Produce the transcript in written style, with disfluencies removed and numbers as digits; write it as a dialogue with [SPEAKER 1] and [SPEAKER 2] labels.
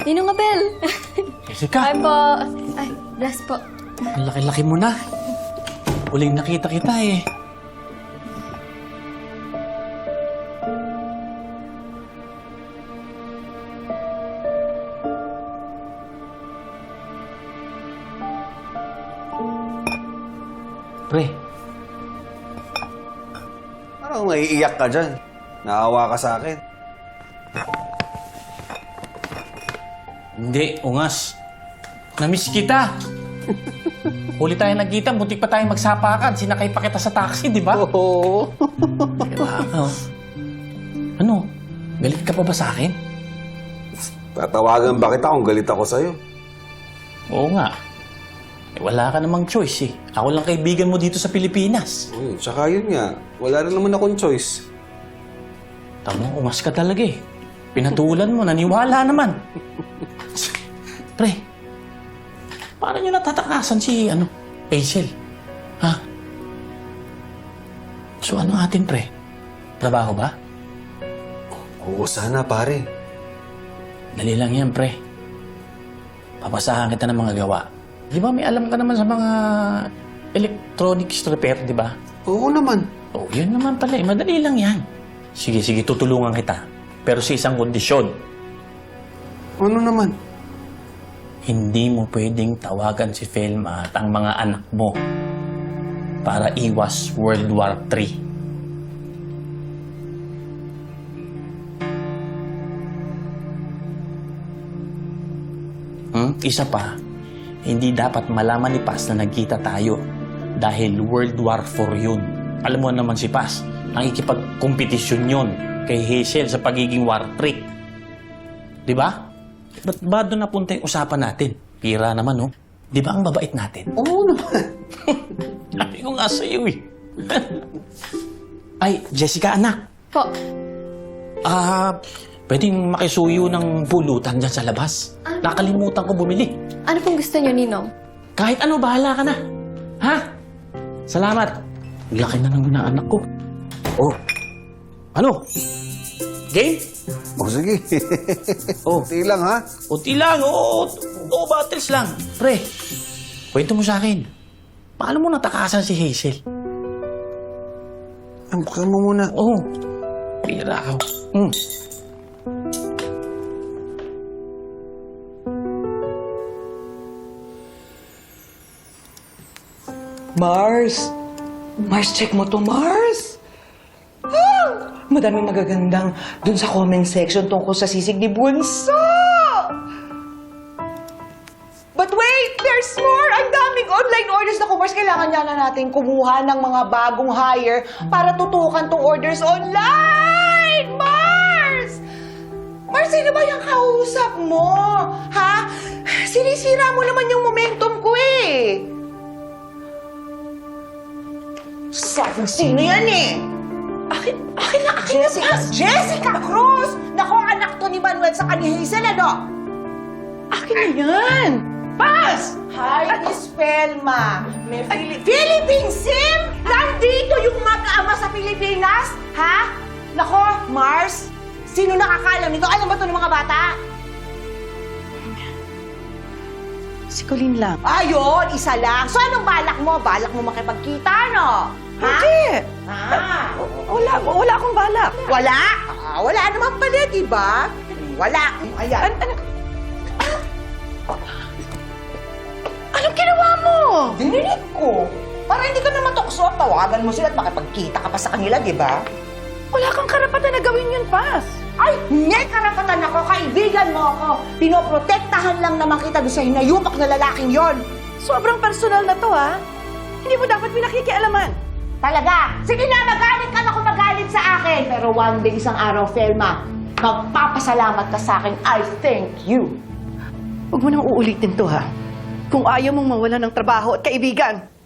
[SPEAKER 1] Ninong Abel!
[SPEAKER 2] Jessica!
[SPEAKER 1] Ay po. Ay, bless po.
[SPEAKER 2] Ang laki-laki mo na. Huling nakita kita eh. Pre,
[SPEAKER 3] Parang naiiyak ka dyan. Naawa ka sa akin.
[SPEAKER 2] hindi, ungas. Namiss kita. Huli tayo nagkita, butik pa tayong magsapakan. Sinakay pa kita sa taxi, di ba?
[SPEAKER 3] Oo.
[SPEAKER 2] Ano? Galit ka pa ba sa akin?
[SPEAKER 3] Tatawagan ba kita kung galit ako sa'yo?
[SPEAKER 2] Oo nga. Eh, wala ka namang choice eh. Ako lang kaibigan mo dito sa Pilipinas.
[SPEAKER 3] Uy, tsaka yun nga. Wala rin naman akong choice.
[SPEAKER 2] Tama, ungas ka talaga eh. Pinatulan mo, naniwala naman. Pre, paano nyo natatakasan si, Hazel? Ha? So ano atin, pre? Trabaho ba?
[SPEAKER 3] Oo, sana pare.
[SPEAKER 2] Dali lang yan, pre. Papasahan kita ng mga gawa. Di ba may alam ka naman sa mga electronics repair, di ba?
[SPEAKER 3] Oo naman.
[SPEAKER 2] Oh, yun naman pala eh. Madali lang yan. Sige, tutulungan kita. Pero sa isang kondisyon.
[SPEAKER 3] Ano naman?
[SPEAKER 2] Hindi mo pwedeng tawagan si Felma at ang mga anak mo para iwas World War III. Isa pa, hindi dapat malaman ni Paz na nagkita tayo dahil World War IV yun. Alam mo naman si Paz, nakikipagkompetisyon yun kay Hazel sa pagiging war trick. Di ba? Ba't ba doon napunta yung usapan natin? Pira naman, no? Di ba ang babait natin?
[SPEAKER 3] Oo naman.
[SPEAKER 2] Sabi ko nga sa'yo, eh. Ay, Jessica, anak.
[SPEAKER 1] Po.
[SPEAKER 2] Pwedeng makisuyo ng pulutan dyan sa labas. Nakalimutan ko bumili.
[SPEAKER 1] Ano pong gusto niyo, Ninong?
[SPEAKER 2] Kahit ano, bahala ka na. Ha? Salamat. Laki na ng anak ko. Oh. Ano? Game?
[SPEAKER 3] O sige.
[SPEAKER 2] Oh.
[SPEAKER 3] Kunti lang ha.
[SPEAKER 2] Unti lang, oo. Oo, battles lang. Pre, kwento mo sa akin. Paano mo natakasan si Hazel?
[SPEAKER 3] Buksan mo muna.
[SPEAKER 2] Oo. Pira ako.
[SPEAKER 4] Mars! Mars, check mo to, Mars! Ah! Madaming magagandang dun sa comment section tungkol sa sisig ni Bunso! But wait! There's more! Ang daming online orders na Mars. Kailangan niya na natin kumuha ng mga bagong hire para tutukan tong orders online! Mars! Mars, sino ba yung kausap mo? Ha? Sinisira mo naman yung momentum ko eh! Sino yan eh? Akin na Jessica Cruz! Nako, anak to ni Manuel sa kanya Hazel, ano? Akin na yan! Pass! Hi, Miss Felma. May Philippine SIM? Nandito yung mag-ama sa Pilipinas? Ha? Nako, Mars, sino nakakalam nito? Alam ba ito ng mga bata?
[SPEAKER 5] Si Colleen lang.
[SPEAKER 4] Ayun, isa lang. So, anong balak mo? Balak mo makipagkita, no? Ha?
[SPEAKER 5] Hindi!
[SPEAKER 4] Ah.
[SPEAKER 5] Wala akong balak.
[SPEAKER 4] Wala? Wala naman pala, di ba? Wala. Ayan.
[SPEAKER 5] Anong ginawa mo?
[SPEAKER 4] Dinilig ko. Para hindi ka na matukso, tawagan mo sila at makipagkita ka pa sa kanila, di ba?
[SPEAKER 5] Wala kang karapatan na gawin yun, Paz.
[SPEAKER 4] Ay, may karapatan ako. Kaibigan mo ako. Pinoprotektahan lang naman kita doon sa hinayupak na lalaking yon.
[SPEAKER 5] Sobrang personal na to, ha? Hindi mo dapat pinakikialaman.
[SPEAKER 4] Talaga? Sige na, magalit ka na kung magalit sa akin. Pero one day, isang araw, Felma, magpapasalamat ka sa akin. I thank you.
[SPEAKER 5] Huwag mo nang uulitin to, ha? Kung ayaw mong mawala ng trabaho at kaibigan.